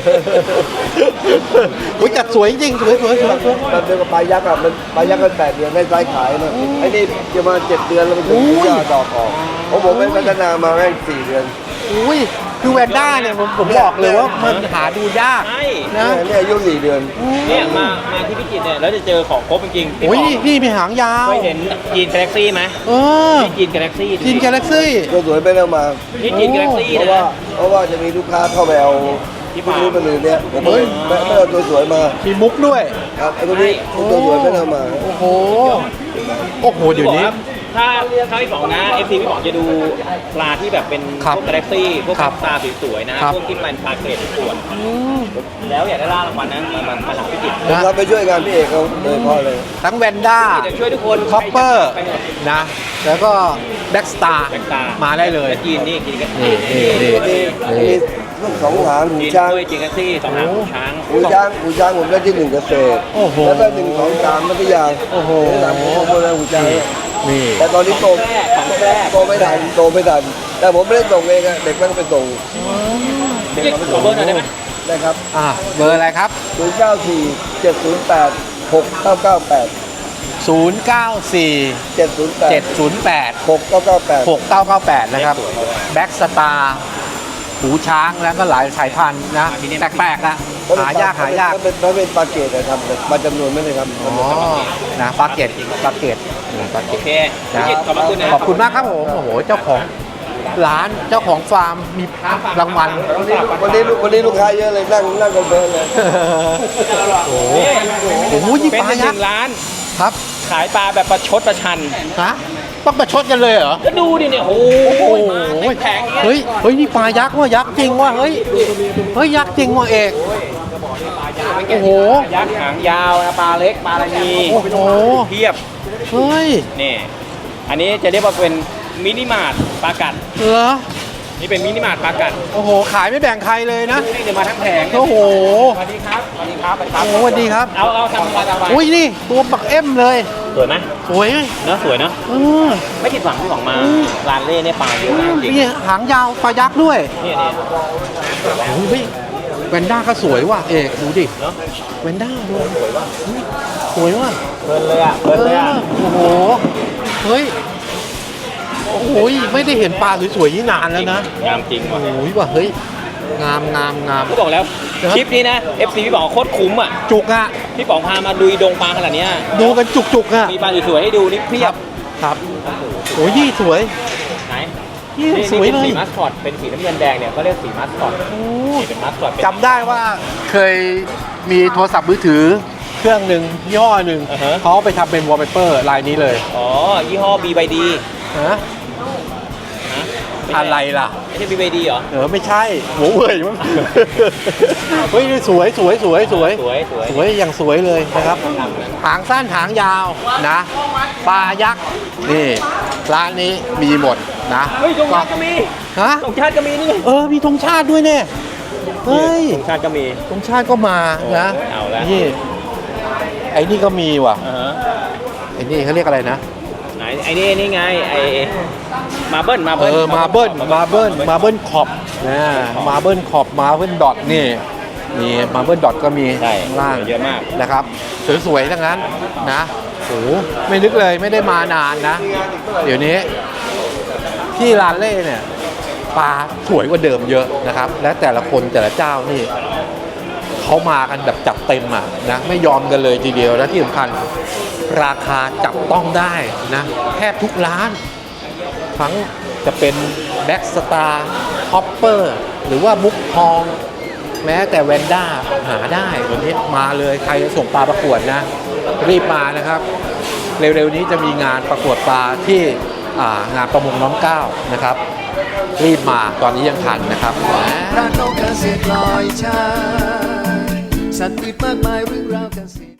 [SPEAKER 1] อุ้ยจัดสวยจริงสวยสวยสวยสวย
[SPEAKER 6] มันเป็นปลายักษ์อ่ะมันปลายักษ์กันแปดเดือนได้ไซส์ขายนะไอ้นี่จะมาเจ็ดเดือนแล้วมันถึงจะดอกออกของผมเป็นพัฒนามาแม่งสี่เดือน
[SPEAKER 1] อุ้ยคือแวนด้าเนี่ยผมผมบอกเลยว่ามันหาดูยาก
[SPEAKER 2] ใช่
[SPEAKER 1] นะ
[SPEAKER 6] เนี่ยอายุสี่เดือน
[SPEAKER 2] เนี่ยมามาที่พิจิตรเนี่ยแล้วจะเจอของครบจริงๆพี่
[SPEAKER 1] โอ้ย
[SPEAKER 2] ป๋อง
[SPEAKER 1] นี่นี่มีหางยาว
[SPEAKER 2] เคยเห็นจีนกาแล็กซี่ไหม
[SPEAKER 1] เออ
[SPEAKER 2] นี่จีนกาแล็กซี่
[SPEAKER 1] จีนกาแล็กซี่
[SPEAKER 6] ก็สวยไปแล้วมา
[SPEAKER 2] นี่จีนกาแล็กซี่
[SPEAKER 6] เพราะ
[SPEAKER 2] นะ
[SPEAKER 6] ว่าเพราะว่าจะมีลูกค้าเข้าไปเอา
[SPEAKER 2] ที่
[SPEAKER 6] ที่
[SPEAKER 2] ฟาร์ม
[SPEAKER 6] นี้มาเลยเนี่ยผมไม่ไม่ไม่เอาตัวสวยมา
[SPEAKER 1] มีมุกด้วย
[SPEAKER 6] ครับไอ้ตัวนี้ตัวสวยไม่เอามา
[SPEAKER 1] โอ้โห โอ้โห เดี๋ยวนี้
[SPEAKER 2] พี่บอกว่าถ้าถ้าพี่บอกนะเอฟซีพี่บอกจะดูปลาที่แบบเป็น
[SPEAKER 1] ครับ
[SPEAKER 2] พวกกาแล็กซี่พวก
[SPEAKER 1] ครับ
[SPEAKER 2] ตาสวยๆนะครับ พวกที่มันปลาเกรดประกวดแล้วอยากได้ล่ารางวัลนะมันมันมาหาพิจิตร
[SPEAKER 6] ผมรับไปช่วยงานพี่เอกเขาโดยเฉพาะเลย
[SPEAKER 1] ทั้งแวนด้า
[SPEAKER 2] จะช่วยทุกคน
[SPEAKER 1] คอปเปอร์นะ แล้วก็แบ็กสตาร์
[SPEAKER 2] แบ็คตา
[SPEAKER 1] มาได้เลย
[SPEAKER 2] จีนนี่จีนกัน
[SPEAKER 1] นี่นี่นี่
[SPEAKER 6] มีมีลูกสองหางหู
[SPEAKER 2] จีน
[SPEAKER 6] ช้าง
[SPEAKER 2] ด้วยจีนกันซี่สองหางหูช้าง
[SPEAKER 6] หูช้างหูช้างผมได้ที่หนึ่งเกษตร
[SPEAKER 1] โอ้โห
[SPEAKER 6] แล้วก็หนึ่งสองสามมัธยา
[SPEAKER 1] โอ้โห
[SPEAKER 6] สามผมโมเลหูช้าง
[SPEAKER 1] นี่
[SPEAKER 6] แต่ตอนนี้โต
[SPEAKER 2] ของแรกของแรก
[SPEAKER 6] โตไม่ทันโตไม่ทันแต่ผมไม่ได้ส่งเองอะเด็กมันไปส่ง
[SPEAKER 2] เรียกขอเบอร์หน่อยได้ไหม
[SPEAKER 6] นะครับ
[SPEAKER 1] อ่ะเบอร์อะไรครับ
[SPEAKER 6] ศูนย์เก้าสี่เจ็ดศูนย์แปดหกเก้าเก้าแปด
[SPEAKER 1] ศูนย์ เก้า สี่
[SPEAKER 6] เจ็ดศูนย์แปด
[SPEAKER 1] เจ็ด ศูนย์ แปด
[SPEAKER 6] หกเก้าเก้าแปด
[SPEAKER 1] หกเก้าเก้าแปดนะครับ แบ็กสตาร์หูช้างแล้วก็หลายสายพันธุ์นะ แปลกๆอ่ะ หายากหายาก
[SPEAKER 6] มันเป็นมันเป็นปลาเกตนะครับแต่ปลาจำนวนไม่ได้ครับ
[SPEAKER 1] อ๋อ นะปลาเกตปลาเกตอืมปลาเก
[SPEAKER 2] โอ
[SPEAKER 1] ต
[SPEAKER 2] เคพิจิตรขอบพระคุณนะ
[SPEAKER 1] ขอบคุณมากครับผม โอ้โห เจ้าของร้านเจ้าของฟาร์มมีรางวัล
[SPEAKER 6] วันนี้วันนี้ลูกค้าเยอะเลยนั่งนั่งกันเพลินเลย
[SPEAKER 1] โอ้โหโอ้โหนี่
[SPEAKER 2] เป็น
[SPEAKER 1] ปลา
[SPEAKER 2] ห
[SPEAKER 1] ยั
[SPEAKER 2] นึ่
[SPEAKER 1] กษ์
[SPEAKER 2] งร้าน
[SPEAKER 1] ครับ
[SPEAKER 2] ขายปลาแบบประชดประชัน
[SPEAKER 1] ฮะต้องประชดกันเลยเหรอ
[SPEAKER 2] ก็ดูดิเนี่ยโอ้
[SPEAKER 1] โอ้
[SPEAKER 2] โห
[SPEAKER 1] โห
[SPEAKER 2] มาแข็งๆ
[SPEAKER 1] เฮ้ยเฮ้ยนี่ปลายักษ์ว่ะยักษ์จริงว่ะเฮ้ยเฮ้ยยักษ์จริงว่ะเอกโอ้โห
[SPEAKER 2] ยักษ์หางยาวนะปลาเล็กปลาอะไรมี
[SPEAKER 1] โอ้โห
[SPEAKER 2] เทียบ
[SPEAKER 1] เฮ้ย
[SPEAKER 2] นี่อันนี้จะเรียกว่าเป็นมินิมาร์ทปลากัด
[SPEAKER 1] เหรอ
[SPEAKER 2] นี่เป็นมินิมาร์ทปลากัด
[SPEAKER 1] โอ้โหขายไม่แบ่งใครเลยนะ
[SPEAKER 2] นี่เดี๋ยวมาทั้งแผง
[SPEAKER 1] โอ้โห
[SPEAKER 2] สวัสดีครับสวัสดีครับสวัสดีครั
[SPEAKER 1] โอ้
[SPEAKER 2] บ
[SPEAKER 1] โหสวัสดีครับ
[SPEAKER 2] เอาเอาทำปลาตะวัน
[SPEAKER 1] อุ้ยนี่ตัวบักเอ็มเลย
[SPEAKER 2] สวยไหม
[SPEAKER 1] สวย
[SPEAKER 2] เนอะสวยเนอะ
[SPEAKER 1] เออ
[SPEAKER 2] ไม่ผิดหวังที่หวังมาร้านเล่เนี่ยปลาเยอะมากจริง
[SPEAKER 1] นี่หางยาวปลายักษ์ด้วย
[SPEAKER 2] เนี่ยเนี่ย
[SPEAKER 1] โอ้ยเฮ้ยแวนด้าก็สวยว่ะเอกดูดิ
[SPEAKER 2] เนาะ
[SPEAKER 1] แวนด้าดูสวยว่ะ
[SPEAKER 2] เพลินเลยอ่ะเพลินเลยอ่ะ
[SPEAKER 1] โอ้โหเฮ้ยโอ้โหไม่ได้เห็นปลาสวยๆนี่นานแล้วนะ
[SPEAKER 2] งามจริงว่ะ
[SPEAKER 1] โอ้ยว่ะเฮ้ยงามงามงาม
[SPEAKER 2] พี่บอกแล้ว
[SPEAKER 1] ครับ
[SPEAKER 2] คลิปนี้นะ เอฟ ซี พี่บอกโคตรคุ้มอ่ะ
[SPEAKER 1] จุกอ่ะ
[SPEAKER 2] พี่ป๋องพามาดูดงปลาขนาดเนี้ย
[SPEAKER 1] ดูกันจุกจุกๆอ่ะ
[SPEAKER 2] มีปลาสวยๆให้ดูนี่เพียบ
[SPEAKER 1] ครับโอ้ยยี่สวย
[SPEAKER 2] ไหน
[SPEAKER 1] ยี่
[SPEAKER 2] นี่
[SPEAKER 1] สวย
[SPEAKER 2] นี่เป็น
[SPEAKER 1] เล
[SPEAKER 2] สี
[SPEAKER 1] ย
[SPEAKER 2] มัสคอตเป็นสีน้ำเงินแดงเนี่ยเขาเรียกสีมัสคอต
[SPEAKER 1] โอ้
[SPEAKER 2] นี่เป็นมัสคอตเป็น
[SPEAKER 1] จำได้ว่าเคยมีโทรศัพท์มือถือเครื่องหนึ่งยี่ห้อหนึ่ง
[SPEAKER 2] อ่าฮะ
[SPEAKER 1] เขาเอาไปทำเป็นวอลเปเปอร์ลายนี้เลย
[SPEAKER 2] อ๋อยี่ห้อ บี วาย ดี
[SPEAKER 1] ฮะอะไรล่ะ
[SPEAKER 2] ไม่ใช่ บี วาย ดี เหรอ
[SPEAKER 1] เออไม่ใช่หัวเว่ยมั้ง เฮ้ยนี่สวยสวยสวยสวย
[SPEAKER 2] สวยสวย
[SPEAKER 1] สวยอย่างสวยเลยนะครับ หางสั้นหางยาวนะปลายักษ์นี่ร้านนี้มีหมดนะ
[SPEAKER 2] เฮ้ยธงชาติก็มี
[SPEAKER 1] ฮะ
[SPEAKER 2] ธงชาติก็มีนี่ไง
[SPEAKER 1] เออมีธงชาติด้วยเนี่ยเฮ้ย
[SPEAKER 2] ธงชาติก็มี
[SPEAKER 1] ธงชาติก็มานะ
[SPEAKER 2] โอ้ยเอาละ
[SPEAKER 1] นี่ไอ้นี่ก็มีว่ะ
[SPEAKER 2] อ่าฮะ
[SPEAKER 1] ไอ้นี่เขาเรียกอะไรนะ
[SPEAKER 2] ไหนไอ้นี่นี่ไงไอ้มาเบิ้ลมา
[SPEAKER 1] เอ
[SPEAKER 2] เบิ้ล
[SPEAKER 1] อมาเบิ้ลมาเบิ้ลมาเบิ้ลขอบนะมาเบิ้ลขอบมาเบิ้ลดอทนี่นี่มาเบิ้ลดอทก็มี
[SPEAKER 2] ใช่
[SPEAKER 1] ข้างล่าง
[SPEAKER 2] เยอะมาก
[SPEAKER 1] นะครับสวยๆทั้งนั้นนะโอ้โหไม่นึกเลยไม่ได้มานานนะ เดี๋ยวนี้ที่ร้านเล่เนี่ยปลาสวยกว่าเดิมเยอะนะครับ และแต่ละคนแต่ละเจ้านี่เขามากันแบบจับเต็มอ่ะนะไม่ยอมกันเลยทีเดียวและที่สำคัญราคาจับต้องได้นะแทบทุกร้าน ทั้งจะเป็นแบ็กสตาร์ฮอปเปอร์หรือว่ามุกทอง แม้แต่แวนด้าหาได้วันนี้มาเลยใครจะส่งปลาประกวดนะ รีบมานะครับ เร็วๆนี้จะมีงานประกวดปลาที่อ่างานประมงน้ำเก้านะครับ รีบมาตอนนี้ยังทันนะครับ
[SPEAKER 4] พระนกเกษตรลอยชายสัตว์อื่นมากมายเรื่องราว